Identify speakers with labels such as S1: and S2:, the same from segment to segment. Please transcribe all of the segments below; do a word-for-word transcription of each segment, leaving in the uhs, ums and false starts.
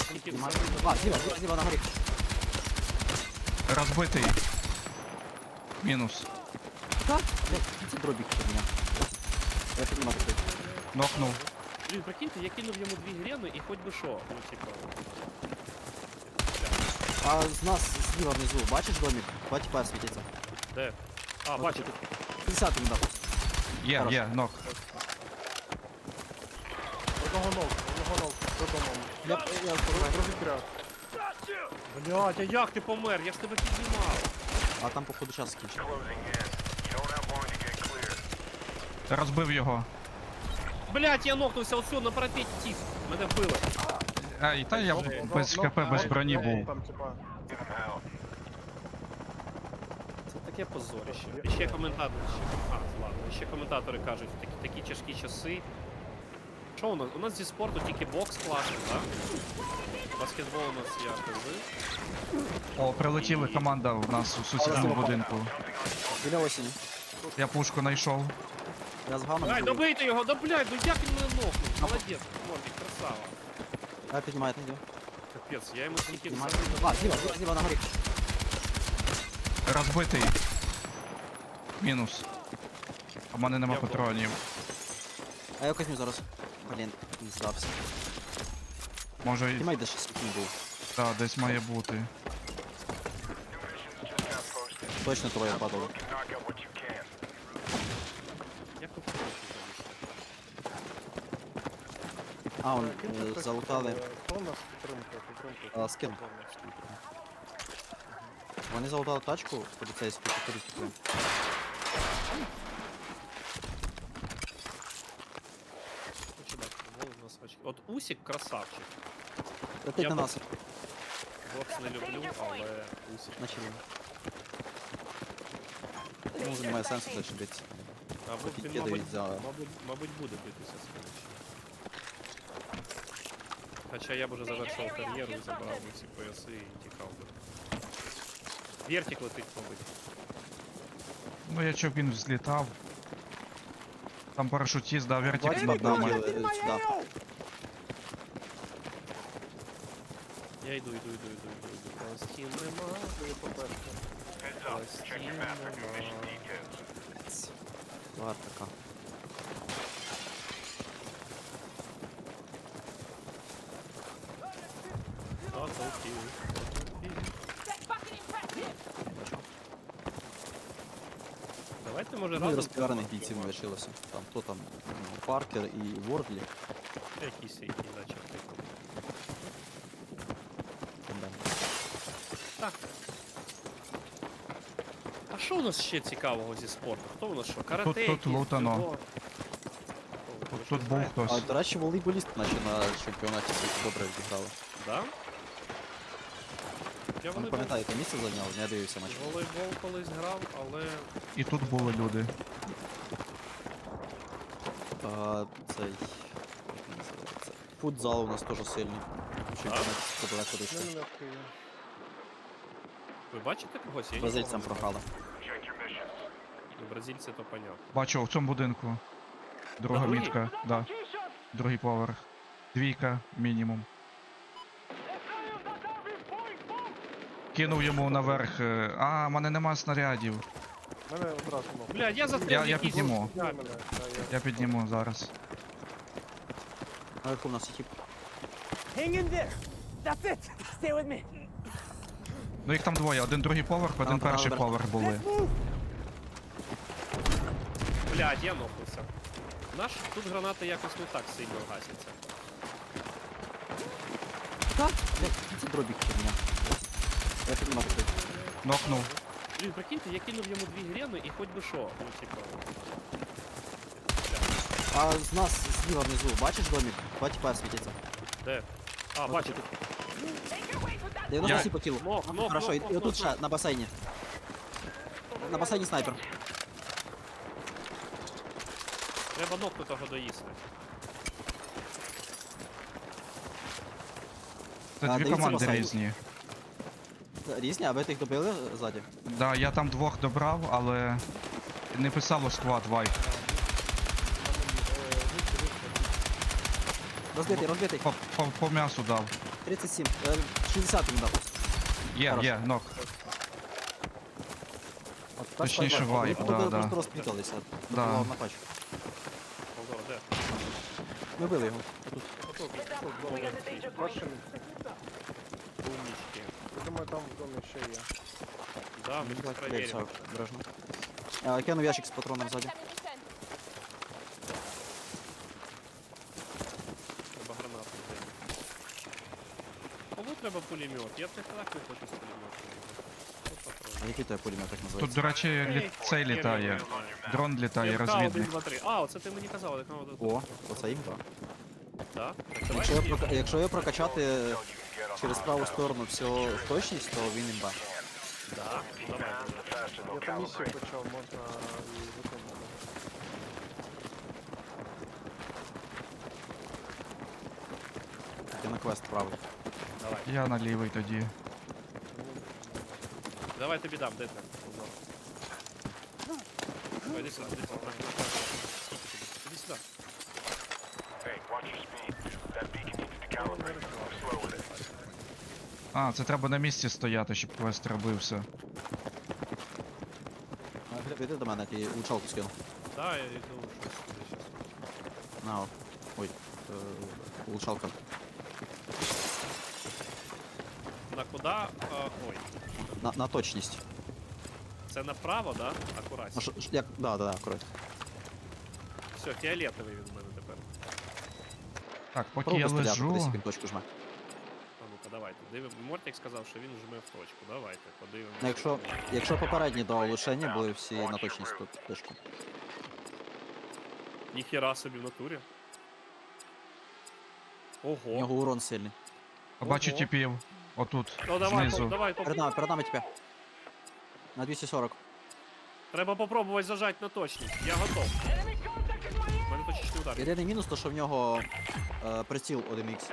S1: Тільки
S2: Нема-
S1: все.
S2: А, зліва, зліва, зліва на горі.
S3: Розбитий. Мінус.
S2: Так? Це дробік у мене. Я піднімаю туди.
S3: Нокнув.
S1: Блін, прикиньте, я кинув йому дві грени і хоч би що. Ну, типа.
S2: А з нас зліва внизу, бачиш домик? Два тіпа світяться.
S1: Де? А, бачу.
S2: п'ятдесят він дав.
S3: Є,
S2: Хорош.
S3: є, нок.
S4: Одного ног, одного ног, додому.
S2: Я, я,
S4: Розітряд.
S1: Блядь, а як ти помер? Я ж тебе піднімав.
S2: а там походу час скінчив.
S3: Розбив його.
S1: Блядь, я нокнувся оцю на парапеті тіп. Мене вбили.
S3: Ай, та я без ХП, без броні був.
S4: Там, типа,
S1: Це таке позорище. І ще коментатори, ще, а, ладно, і ще коментатори кажуть, такі, такі тяжкі часи. Що у нас? У нас зі спорту тільки бокс класний, так? Баскетбол у нас я кажу.
S3: О, прилетіла команда в нас у сусідньому будинку.
S2: Біля осені.
S3: Я пушку знайшов.
S2: Я з гамом.
S1: Ай, добийте його, да блядь, ну як він мене нокнув? Молодець, Мордик, красава.
S2: Я піднімаю, я піднімаю.
S1: Капець, я йому тільки
S2: Піднімаю. А, зліва, зліва, зліва на горі.
S3: Розбитий. Мінус. У мене нема
S1: Я вдома.
S3: патронів.
S2: А я казню зараз. Блін, не здався.
S3: Може, і-
S2: Піднімай, де ще світінь був.
S3: та, десь має бути.
S2: Точно троє падало.
S1: Як ви
S2: А, он
S4: киньте
S2: е,
S4: хтось,
S2: залутали.
S4: е, Хто у нас підтримка? Підтримка.
S2: А, з ким? Вони залутали тачку поліцейську, походу типу.
S1: Хочу дати футбол у нас очки. От Усік красавчик.
S2: Летить
S1: Я
S2: на
S1: б-
S2: нас.
S1: Бокс не люблю, але Усік.
S2: Начали. Ну, немає сенсу далі битися.
S1: Або
S2: Поки
S1: він,
S2: кидають
S1: мабуть,
S2: за-
S1: мабуть, мабуть, буде битися скоріше. Хоча я б уже завершив кар'єру і забрав би всі пояси і тікав би. Вертик летить, мабуть.
S3: Ну, я чоб він взлітав. Там парашутіст, да, вертик
S2: Бачиш,
S3: над
S2: нами.
S3: нами.
S2: Сюди.
S1: Я йду, йду, йду, йду, йду, йду. Пластин нема, пластин нема.
S2: Тварь така.
S1: А, толки. Давайте, може,
S2: Ну, і
S1: разом...
S2: розпіарених бійців не лишилося. Там хто там? Ну, Паркер і Вордлі.
S1: Якісь які зачерти. Так. А що у нас ще цікавого зі спорту? Хто у нас що? Карате?
S3: Тут- тут
S1: якісь,
S3: лутано.
S1: дзюдо? О, ви
S3: Тут,
S1: ж
S3: тут
S1: не
S3: був
S1: знаєте?
S2: А,
S3: хтось.
S2: до речі, волейболіст наче на чемпіонаті світу добре відіграли.
S1: Да? Я
S2: Ви
S1: волейбол,
S2: пам'ятаєте, місце зайняв? Не дивився матч.
S1: волейбол колись грав, але...
S3: І тут були люди.
S2: А, цей... як він називається? Футзал у нас теж сильний. У чемпіонаті світу далеко дійшли.
S4: Не легкий.
S1: Ви бачите когось? Я
S2: Бразильцям
S1: нікого не
S2: програли.
S1: бачу. Ну, бразильці то понятно.
S3: Бачу, в цьому будинку. Друга
S1: На другій?
S3: мітка, да. Другий поверх. Двійка мінімум. Кинув йому наверх. е, А, в мене нема снарядів.
S4: Мене одразу ног.
S1: Бля, я застрял
S3: Я-
S1: в
S3: я
S1: якійсь-
S3: підніму.
S4: Підняй мене, та я-
S3: Я підніму зараз.
S2: Наверху у нас є тип.
S5: Hang in there. That's it. Stay with me.
S3: Ну їх там двоє, один другий поверх, один
S2: Там,
S3: перший
S2: там,
S3: поверх були.
S5: Let's move.
S1: Блядь, я нокнувся. Наш тут гранати якось не так сильно гасяться.
S2: Так? Це дробік у мене. Я піднімаю туди.
S3: Нокнув.
S1: Блін, прикиньте, я кинув йому дві грени і хоч би що. Ну, типа.
S2: А з нас зліва внизу, бачиш домик? Два тіпа світяться.
S1: Де? А, бачу.
S2: дев'яносто
S3: Я-
S2: по кілу.
S1: Нок, нок,
S2: Хорошо,
S1: нок,
S2: і,
S1: нок,
S2: і
S1: нок,
S2: отут
S1: нок.
S2: ще на басейні. На басейні снайпер.
S1: Треба ногу того доїсти.
S3: Це
S2: А,
S3: дві
S2: дивіться
S3: команди
S2: басейн.
S3: різні.
S2: Різні, а ви тих добили ззаді?
S3: Да, я там двох добрав, але не писало склад вайп.
S2: Розбитий, розбитий.
S3: По, по, по м'ясу дав.
S2: тридцять сім. Е, шістдесят йому дав.
S3: Є,
S2: Хорошо.
S3: є, нок.
S2: От, та
S3: Точніше,
S2: спайк,
S3: вайп,
S2: Вони
S3: да,
S2: просто-
S3: да.
S2: просто розпліталися.
S3: Да.
S2: Да. На пачку.
S1: Молдова, де?
S2: Ми били його. Отут.
S4: Отут, тут, зона. Бачите,
S1: Умнички.
S4: я думаю, там в домі ще є.
S1: Да, ми
S2: Так,
S1: зараз
S2: дивіться,
S1: перевіримо.
S2: обережно. А, кинув ящик з патроном ззаді.
S1: Треба гранату взяти. Кому треба пулемет? Я б так не хочу з пулеметом.
S2: А який тебе пулемет так
S3: Тут,
S2: називається?
S3: до речі, лі... цей літає. Дрон літає,
S1: один,
S3: розвідник.
S1: два, три. А, оце ти мені казав, як надо.
S2: О, оце їм, так.
S1: Да?
S2: Якщо його, прока- якщо його прокачати через праву сторону всього в точність, то він імба.
S1: Да? Давай.
S4: Я там місію почав, можна і виконати.
S2: Я на квест правий.
S1: Давай.
S3: Я на лівий тоді.
S1: Давай тобі дам, де ти? Ой, іди сюди, іди сюди. Іди сюди.
S3: А, це треба на місці стояти, щоб квест робився.
S2: А, Глеб, іди до мене, я тобі улучшалку скину.
S1: Да, я йду щось сюди щас.
S2: На, о. Ой, е, улучшалка.
S1: На куди? А, ой.
S2: На, на точність.
S1: Це направо, да?
S2: А
S1: Акуратно.
S2: що, ж- як, да, да, да, акурат.
S1: Все, фіолетовий він у мене тепер.
S3: Так, поки
S2: Пробуй
S3: я
S2: стріляти,
S3: лежу.
S2: кудись він точку жме.
S1: А ну-ка, давайте. Дивимо. Мортик сказав, що він жме в точку. Давайте, подивимося.
S2: Ну, якщо, якщо попередні до улучшення були всі на точність, то точку.
S1: Ніхера собі в натурі.
S2: У
S1: Ого.
S2: нього урон сильний.
S3: Бачу
S1: Ого.
S3: типів. Отут,
S1: Ну давай,
S3: знизу.
S1: по- давай, поп-
S2: Перед нами, перед нами тебе. На двісті сорок.
S1: Треба попробувати зажати на точність. Я готов. У мене точечний удар.
S2: Єдиний мінус, то що в нього е, приціл один ікс.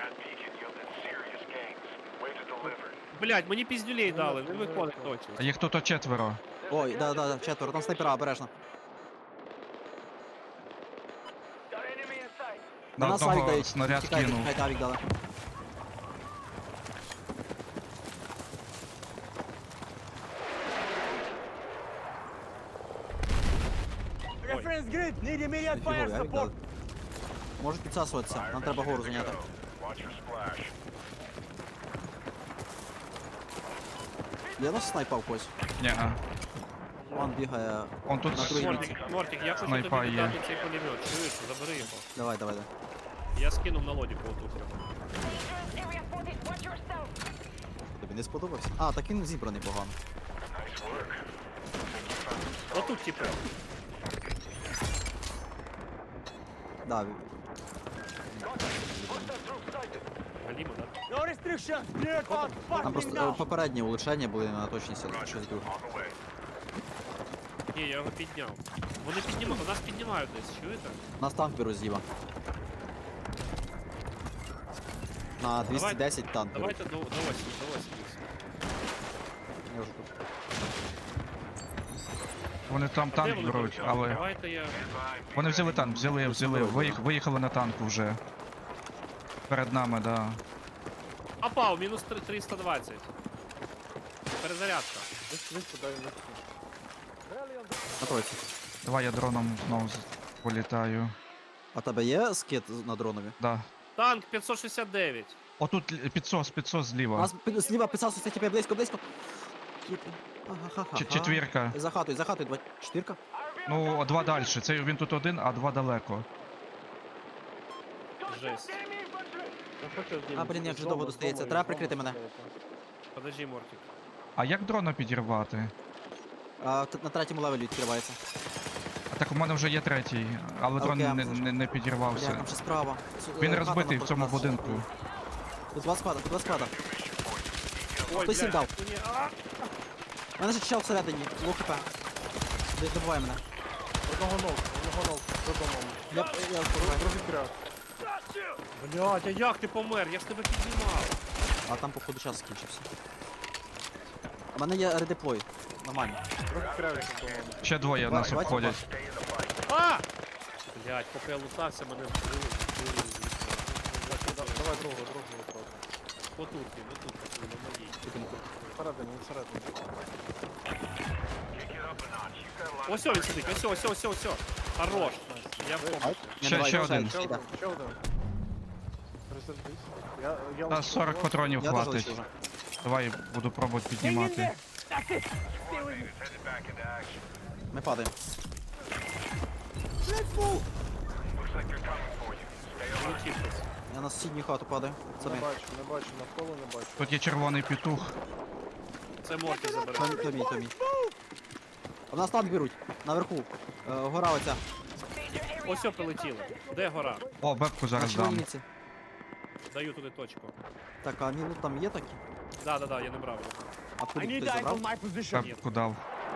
S1: Блять, мені піздюлей дали, не виходить
S3: А
S1: точність.
S3: їх тут четверо.
S2: Ой, да, да, да, четверо, там снайпера, обережно.
S3: На
S2: нас авік
S3: одного
S2: дають.
S3: снаряд
S2: Тікайте,
S3: кинув.
S2: тікайте, авік дали.
S5: Reference grid. Need immediate fire
S2: Фіговий авік дали.
S5: support.
S2: Можуть підсасуватися, нам треба гору зайняти. Є у нас снайпа в когось?
S3: Ні-а.
S2: Он бігає.
S3: Он тут
S2: На другій
S1: Мортик, Мортик, я хочу
S3: Снайпа
S1: тобі
S3: є.
S1: віддати цей пулемет. Чуєш, забери його.
S2: Давай, давай, давай.
S1: Я скинув на лодіку отут.
S2: Тобі не сподобався? А, так він зібраний погано.
S1: Отут, типу.
S2: Да,
S1: Галімо, да?
S5: No restrictions. Clear path.
S2: там
S5: Fucking
S2: просто е,
S5: now.
S2: попередні улучшення були на точність, але щось друге.
S1: Ні, я його підняв. Вони піднімають, нас піднімають десь, чуєте?
S2: Нас танк беру з'їба. На двісті десять танк беру.
S1: Давайте до, до осі, до осі.
S2: Я вже тут.
S3: Вони там
S1: Де
S3: танк
S1: вони
S3: беруть,
S1: полетіли?
S3: але.
S1: Давайте я...
S3: Вони взяли танк, взяли, взяли, виїх, виїхали на танку вже. Перед нами, да.
S1: Апау, мінус три- триста двадцять. Перезарядка.
S4: Десь десь туди і не
S2: На тройці.
S3: Давай я дроном знову з- політаю.
S2: А тебе є скид з- на дронові?
S3: Да.
S1: Танк п'ятсот шістдесят дев'ять.
S3: Отут л- підсос, підсос
S2: У
S3: зліва.
S2: нас пи- зліва писався тебе близько, близько. Кіт. Ага-ха-ха.
S3: Ч- четвірка.
S2: За хатою, за хатою, два. Чотирка?
S3: Ну, два далі. Це він тут один, а два далеко.
S1: Жесть.
S2: А, блін, як же довго достається. Треба прикрити мене.
S1: Подожди, Мортик.
S3: А як дрона підірвати?
S2: А, т- на третьому левелі відкривається.
S3: А так у мене вже є третій, але дрон
S2: Окей,
S3: не,
S2: можна.
S3: не, не
S2: Бля,
S3: підірвався.
S2: там ще справа. С-
S3: Він
S2: е, хата
S3: розбитий в
S2: напроти
S3: цьому
S2: нас.
S3: будинку.
S2: Тут два склада, тут два склада.
S1: Ой,
S2: Хтось їм
S1: блядь,
S2: дав.
S1: мені- а!
S2: У мене ще чел всередині, лук хп. Д- Добивай мене.
S4: Одного ног, одного ног, додому.
S2: Я, я впливаю.
S4: Другий кряк.
S1: Блядь, а як ти помер? Я ж тебе піднімав.
S2: А там, походу, час скінчився. У мене є редеплой. Нормально.
S4: Другий кряк додому.
S3: Ще двоє
S2: Давай,
S3: нас
S2: давайте
S3: обходять.
S1: А! Блядь, поки я лутався, мене вбили. вбили,
S4: Да-
S1: вбили.
S4: Давай другого, другого просто.
S1: Отут він, отут, отут, на моїй.
S4: Всередині, всередині.
S1: Ось він сидить, ось, ось, ось, ось. Хорош. Я в комнаті.
S2: Не,
S3: Ще-
S2: давай,
S3: ще
S2: давай,
S3: один.
S4: Ще
S2: йде.
S4: один, ще один. Розвернись. Я, я
S3: Та
S4: лишу
S3: сорок
S4: вас.
S3: патронів
S2: Я теж
S3: хватить.
S2: лечу вже.
S3: Давай буду пробувати
S5: Hang in
S3: піднімати.
S5: there. That's it. Stay with me.
S2: Ми падаємо.
S5: Let's move.
S1: Полетів хтось.
S2: Я на сусідню хату падаю. Це
S4: Не
S2: ми.
S4: бачу, не бачу, навколо не бачу.
S3: Тут є червоний петух.
S1: Це Морті забере.
S2: То, то мій, то мій. У нас танк беруть. Наверху. Е, гора оця.
S1: Ось о, прилетіло. Де гора?
S3: О, бебку
S2: На
S3: зараз дам.
S2: червоніці.
S1: Даю туди точку.
S2: Так, а мій лут там є такі?
S1: Да, да, да, я не брав.
S2: А
S5: I
S2: куди
S5: need
S2: хтось
S5: eyes
S2: забрав?
S5: on my position.
S3: Бебку дав.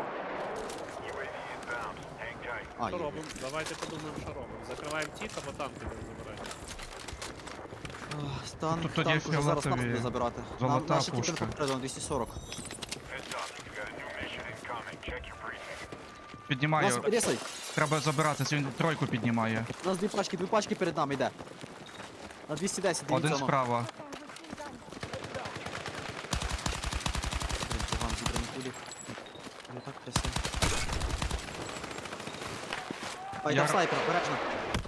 S2: А,
S1: Що
S2: є.
S1: робимо? Давайте подумаємо, що робимо. Закриваємо тік, або танки не забираємо.
S2: Ах, Танк,
S3: Тут тоді
S2: танк уже зараз нас
S3: фіолетові
S2: буде забирати.
S3: золота
S2: Наші тіпи
S3: пушка.
S2: попереду на двісті сорок. У
S3: Піднімаю.
S2: нас рісай.
S3: Треба забиратися, він тройку піднімає.
S2: У нас дві пачки, дві пачки перед нами йде. На двісті десять, дивіться.
S3: Один
S2: воно.
S3: справа.
S2: Блін, погано зібрані кулі. Не так красиво. А, йде
S3: Я-
S2: снайпер, обережно.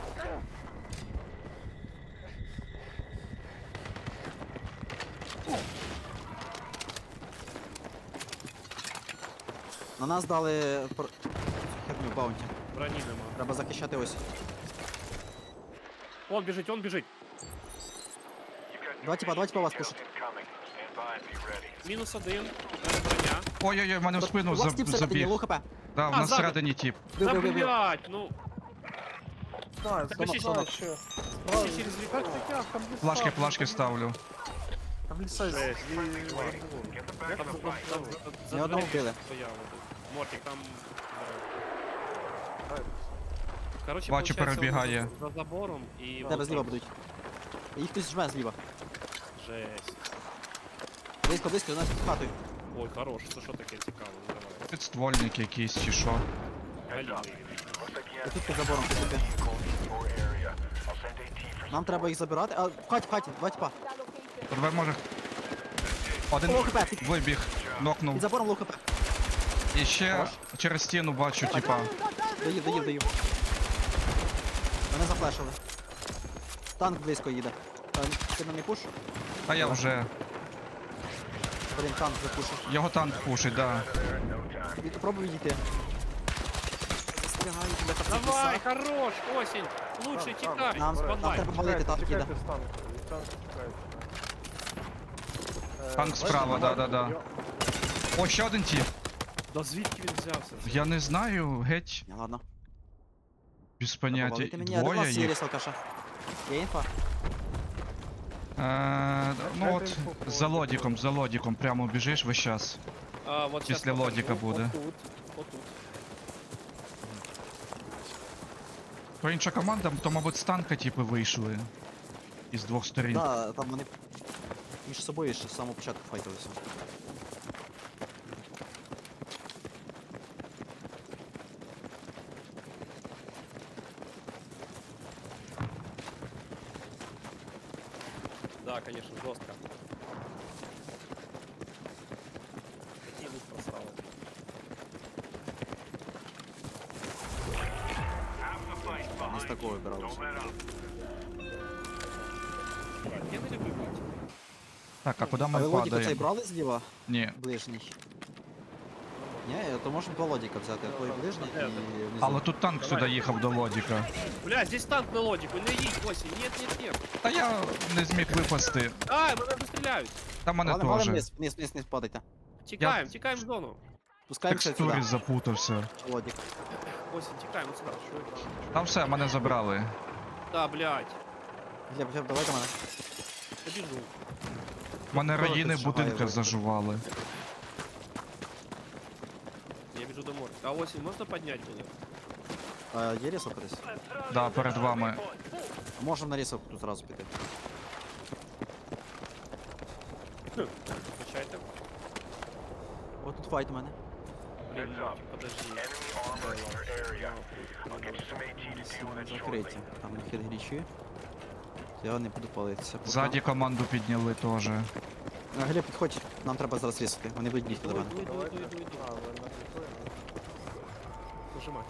S2: На нас дали пр- херню баунті.
S1: Броні нема.
S2: Треба захищати ось.
S1: Он біжить, он біжить.
S2: Два типа, два типа вас пушать.
S1: Мінус один. У мене броня.
S3: Ой-ой-ой, мене в спину
S2: У вас
S3: заб-
S2: тип всередині,
S3: забіг.
S2: лоу хп.
S3: Да, в
S1: А,
S3: нас
S1: ззаду.
S3: всередині тіп.
S2: Бив,
S1: Та
S2: бив, бив, бив.
S1: блять, ну.
S4: Знаю,
S1: Так,
S4: знаю,
S1: ще-
S4: знаю, ще.
S1: Ще
S4: Знаю,
S1: через вікно.
S4: як ти тяг, там ліса,
S3: Плашки,
S4: там
S3: плашки
S4: ліса.
S3: ставлю.
S4: Там ліса з-
S1: Жесть.
S4: і-
S1: Там
S4: Як
S1: за-
S4: це
S1: там
S4: так?
S1: за-
S2: Ні
S1: за
S2: одного
S1: дверима
S2: вбили.
S1: стояли. Мортик, там.
S4: Так.
S1: Короче,
S3: Бачу,
S1: получається,
S3: перебігає.
S1: вони За за забором і.
S2: Тебе зліва будуть. Їх хтось жме зліва.
S1: Жесть.
S2: Близько, близько, у нас під хатою.
S1: Ой, хорош, це що таке цікаво, ну, давай.
S3: Підствольник якийсь чи що.
S1: Галімий.
S2: Я тут під забором підійти. Нам треба їх забирати. А, в хаті, в хаті, два типа.
S3: Тебе може. Один
S2: Лоу хп, під,
S3: вибіг,
S2: під
S3: нокнув.
S2: забором лоу хп.
S3: І ще
S2: Хорош.
S3: через стіну бачу, типа.
S2: Доїв, доїв, доїв. Мене зафлешили. Танк близько їде. Та, Ти на мій пуш?
S3: А я вже.
S2: Блін, танк запушив.
S3: Його танк пушить, да.
S2: Від- Пробуй відійти. Застрягаю тебе
S1: Давай, хорош, осінь. Лучше
S4: Там, там,
S1: тікай.
S2: Нам, нам
S1: Спадай.
S2: треба валити, танк їде.
S4: Тікайте з танку, від танку тікайте. Е,
S3: Танк
S4: бачите,
S3: справа,
S4: багато-
S3: да-да-да.
S4: Йо-
S3: О, ще один тіп.
S1: Да звідки він взявся?
S3: Я не знаю, геть
S2: Ні, ладно.
S3: без
S2: Треба
S3: поняття.
S2: валити мені. А де у
S3: Двоє
S2: вас є
S3: їх.
S2: рісалкаша? Є інфа?
S3: Е, ну
S4: Дайте
S3: от,
S4: інфу про
S3: за
S4: лодіку.
S3: лодіком, за лодіком прямо біжиш весь час.
S1: А, вот щас
S3: Після
S1: покажу.
S3: лодіка буде.
S1: Отут, отут.
S3: То інша команда, то, мабуть, з танка типи вийшли. Із двох сторін.
S2: Да, там вони між собою ще з самого початку файтилися.
S1: Да, конечно, жестко. Такие лук просрал.
S2: Не з такого вибиралося.
S1: Я не люблю бить.
S3: Так, а куди
S2: А ви
S3: ми
S2: лодіку цей
S3: падаємо?
S2: брали зліва?
S3: Ні.
S2: Ближній. Ні, то можна два лодіка взяти. Той ближній і внизу.
S3: Але тут танк
S1: Давай.
S3: сюди їхав до лодіка.
S1: Бля, здесь танк на лодику, не едь, осень. Нет, нет, нет.
S3: Та я не зміг випасти.
S1: А, мене вистріляють.
S3: Та мене
S2: Ладно, ладно,
S3: теж.
S2: вниз, вниз, вниз, вниз падайте.
S1: Тікаємо, тікаємо в зону.
S2: Спускаємося
S3: Текстурі
S2: сюди.
S3: запутався.
S2: Лодік.
S1: Осень, тікаємо сюди. Що это?
S3: Там все, мене забрали.
S1: Да, блядь.
S2: Глеб, Глеб, давай до мене.
S1: Я біжу.
S3: Мене
S2: Хто
S3: раїни
S2: тут
S3: в будинках
S2: шагає,
S3: зажували.
S1: Я біжу до моря. А осень можна підняти мене?
S2: А, є рісалка десь?
S3: Да, перед вами.
S2: Можемо на рісалку тут зразу піти.
S1: Включайте.
S2: О, тут файт у мене.
S1: Блін, Мортик, подожди.
S2: Закриті. Там хід глічі. Я не буду палитися. поки.
S3: Ззаді команду підняли теж.
S2: Е, Глеб, підходь, нам треба зараз різати. Вони будуть бігти до
S1: Іду,
S2: мене.
S1: іду, іду, іду, іду, іду.
S4: А, ви на підході?
S1: Нажимай.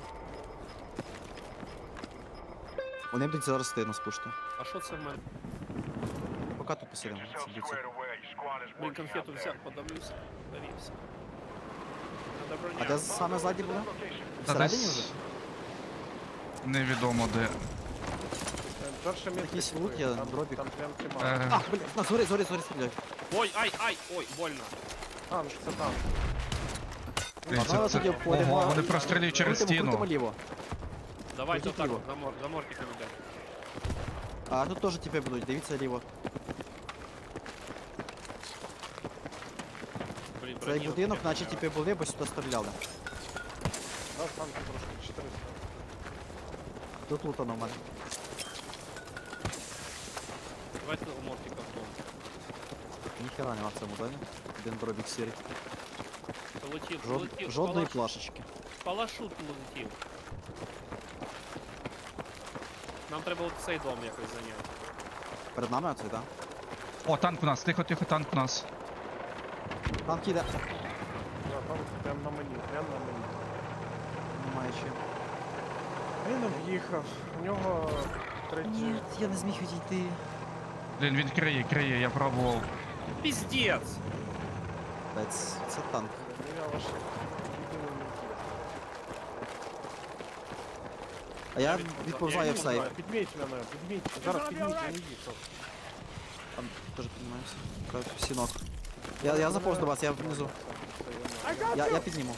S2: Вони будуть зараз ти нас пушити.
S1: А що це в мене?
S2: Поки тут посидимо. сидіться.
S1: Блін, конфету взяв, подавлюся. Давівся. Надо
S2: А
S1: броня.
S2: де саме ззаді буде?
S3: Та
S2: Всередині вже?
S3: десь невідомо де.
S4: Е, Перше місце.
S2: Якийсь
S4: купив,
S2: лут є,
S4: там-
S2: дробік.
S4: Там прям тима.
S3: Е,
S2: А, блін, на, згори, згори, згори стріляють.
S1: Ой, ай, ай, ой, больно.
S4: Танк, це танк.
S3: блін,
S2: Ладно,
S3: це-
S2: але
S3: це-
S2: тоді обходимо.
S3: Ого, вони прострілюють через
S2: Крутимо, крутимо
S3: стіну.
S2: ліво.
S1: Давайте
S2: Крутіть
S1: отак,
S2: ліво.
S1: за, мор, за мортиком йдемо.
S2: А тут теж тіпи будуть, дивіться ліво.
S1: Блін,
S2: Цей
S1: броні
S2: будинок,
S1: отаке.
S2: наче тіпи були, бо сюди стріляли.
S4: Да, танк трошки, чотириста.
S2: Тут лутано в мене.
S1: Давайте у мортика в дом.
S2: Ніхера нема в цьому зоні. Один дробік сірий.
S1: Полетів,
S2: Жод...
S1: полетів.
S2: Жодної
S1: палаш-
S2: плашечки.
S1: Палашут полетів. Нам треба от цей дом якось зайняти.
S2: Перед нами оцей, так?
S3: О, танк у нас, тихо, тихо, танк у нас.
S2: Танк їде.
S4: Да, танк прям на мені, прям на мені.
S2: Немає чим.
S4: Він об'їхав. У нього третій.
S2: Ні, я не зміг відійти.
S3: Блін, він криє, криє, я пробував.
S1: Піздець!
S2: Блять, це танк.
S4: Ну, я ваш єдиний мій.
S2: А я
S1: від-
S2: відповзаю
S1: я
S2: в сейф.
S4: Підміть мене, підміть. Зараз підміть, я не їхав.
S2: Там теж піднімаємося. Кажуть, всінок. Я, я заповз до вас, я внизу. Я, я підніму.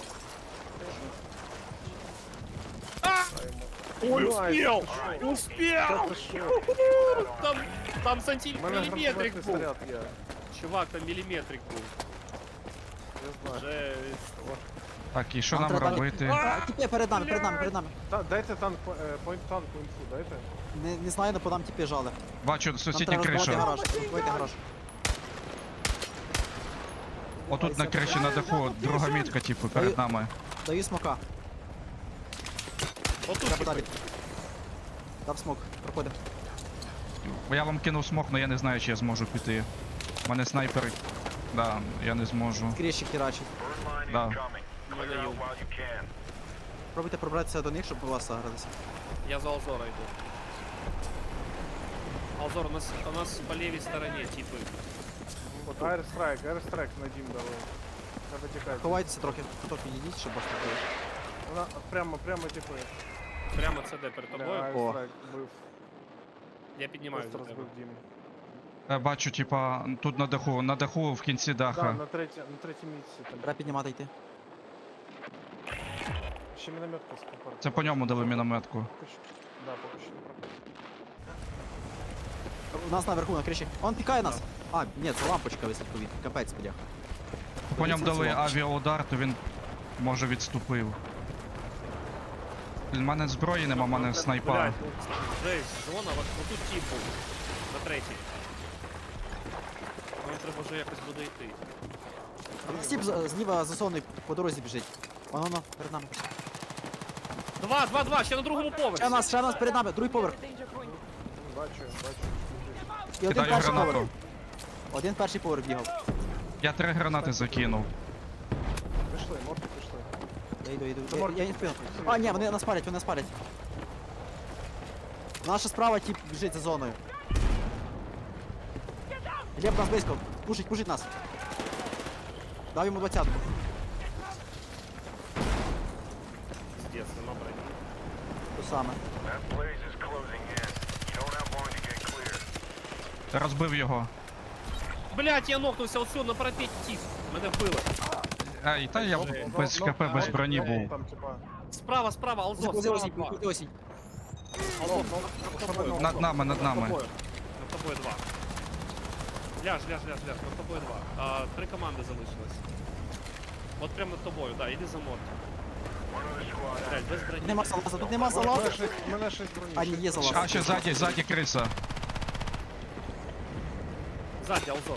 S1: Ой,
S4: успел!
S1: успел! Успел!
S4: Це що?
S1: Там, там санті...
S4: У мене
S1: міліметрик
S4: гранатометний
S1: був.
S4: снаряд є.
S1: Чувак, там міліметрик був.
S4: Я знаю.
S1: Жесть.
S3: Так, і що
S2: Нам
S3: нам
S2: треба-
S3: робити?
S2: А, тіпи перед нами, перед нами, перед нами.
S4: Та, дайте танк, по- е, пойнт танку інфу, дайте.
S2: Не, не знаю, але по нам тіпи жали.
S3: Бачу,
S2: Нам
S3: сусідня
S2: треба розбивати
S3: криша.
S2: гараж. Розбивайте гараж.
S3: Отут на криші на даху, друга мітка, типу, перед нами.
S2: Даю смока.
S1: Отут
S2: Треба
S1: типи.
S2: далі. Дав смок. Проходимо.
S3: Бо я вам кинув смок, але я не знаю, чи я зможу піти. У мене снайпер. Да, я не зможу.
S2: Кріші херачить.
S3: Да.
S1: У мене є.
S2: Пробуйте пробратися до них, щоб у вас загратися.
S1: Я за Алзора йду. Алзор, у нас, у нас по лівій стороні типи.
S4: Аерстрайк, аерстрайк на дім дали. Треба тікати.
S2: Ховайтеся трохи. Хто підійдіть, щоб вас не було.
S4: Вона прямо, прямо типу.
S1: Прямо це де перед тобою.
S4: Аерстрайк бив.
S1: Я піднімаю
S4: Просто
S1: за тебе.
S4: розбив дім.
S3: Я бачу, типа, тут на даху, на даху в кінці
S4: Да,
S3: даха.
S4: на третій, на третій місці. Там.
S2: Треба піднімати йти.
S4: Ще мінометка скопар.
S3: Це по ньому дали мінометку.
S4: Поки що. Да, поки що не проходить.
S2: У нас наверху на криші. Он пікає нас. А, ні, це лампочка висить повітря. Капець, бляха.
S3: По ньому
S2: Дивіться,
S3: дали
S2: це лампочка.
S3: авіаудар, то він може відступив. У мене зброї нема, у мене снайпа.
S1: Блядь, ну, жесть, зона, от отут тип був. На третій. Нам треба вже якось буде йти.
S2: А нас тіп з- зліва засонний по дорозі біжить. Воно, воно, перед нами.
S1: Два, два, два, ще на другому поверсі.
S2: Ще нас, ще нас перед нами, другий поверх.
S4: Бачу, бачу.
S2: І один
S3: Кидаю
S2: перший
S3: гранату.
S2: поверх. Один перший поверх бігав.
S3: Я три гранати закинув.
S4: Пішли, морти пішли.
S2: Я йду, йду.
S4: Це
S2: Я,
S4: морг.
S2: я не встиг. А, ні, вони нас палять, вони нас палять. Наша справа тип біжить за зоною. Глеб нас близько. Пушить, пушить нас. Дав йому двадцятку.
S1: Пиздец, нема броні.
S2: То саме.
S3: Розбив його.
S1: Блять, я нокнувся оцю на парапеті тіп. Мене вбили.
S3: Ай, та я без
S4: Ну,
S3: ХП, без
S4: ну,
S3: броні
S4: ну,
S3: був.
S4: Там, типа,
S1: Справа, справа, Алзор,
S2: Закузи
S1: справа
S2: осінь,
S1: два.
S2: закузи осінь.
S1: Алзор, над тобою.
S3: Над нами, над нами.
S1: Над тобою два. Ляж, ляж, ляж, ляж, над тобою два. А, три команди залишилось. От прямо над тобою, да, іди за морти. Блять, без броні.
S2: Нема салаза, тут нема
S4: У мене
S2: салаза.
S4: шість- у мене шість броні.
S2: А, ні, є залаз.
S3: А ще ззаді, ззаді криса.
S1: Ззаді, Алзор.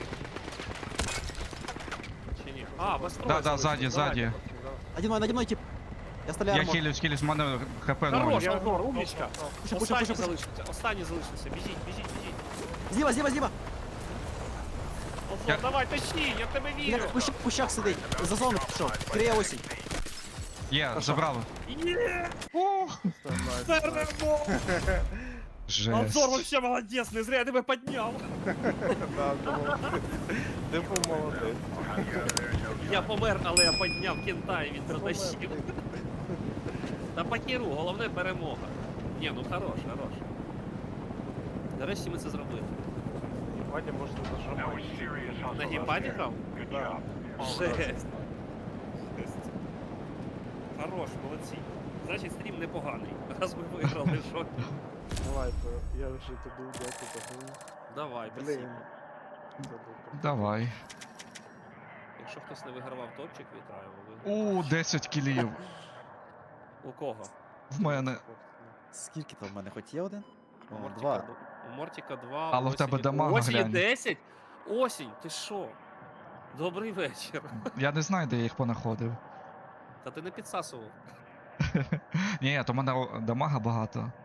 S1: Чи ні? А, без
S3: Да, да, ззаді, ззаді.
S2: Наді мною, наді мною тип. Я стріляю
S3: Я
S2: армор.
S3: хилюсь, хилюсь, в мене ХП ноль.
S1: Хорош,
S4: Я-
S1: Алзор, умничка.
S2: Пуши, пуши,
S1: Останній
S2: пуши, пуши.
S1: залишився, останній залишився. Біжіть, біжіть, біжіть.
S2: Зліва, зліва, зліва!
S1: Осло,
S3: Я-
S1: давай, тащи, я в тебе
S2: Він
S1: вірю.
S2: в кущах, в кущах сидить. За зону пішов. Криє осінь.
S3: Є, забрали.
S1: Є,
S3: О,
S1: перемога.
S3: жесть.
S1: Обзор вообще молодец, не зря я тебе підняв.
S4: Да, думав, ти- Ти був молодець.
S1: Я помер, але я підняв кента і він дотащив. Та по херу, головне перемога. Ні, ну хорош, хорош. Нарешті ми це зробили.
S4: Вадя, може, ти нажимаєш.
S1: На геймпаді грав?
S4: Да.
S1: Жесть. Жесть. Хорош, молодці. Значить, стрім непоганий. Раз ми виграли, що?
S4: Давай, то я вже тобі дякую.
S1: Давай,
S4: Блін.
S1: спасибо.
S4: Це був круто.
S3: Давай.
S1: Якщо хтось не вигравав топчик, вітаю. ви виграли.
S3: У, десять кілів.
S1: У кого?
S3: В мене.
S2: Скільки там в мене хоч є один?
S1: У
S2: О,
S1: Мортіка,
S2: два.
S1: д- у Мортіка два.
S3: Але
S1: у
S3: в тебе
S1: Осені-
S3: дамага
S1: у Осені
S3: глянь.
S1: десять? Осінь, ти що? Добрий вечір.
S3: Я не знаю, де я їх понаходив.
S1: Та ти не підсасував.
S3: Ні, то в мене о, дамага багато.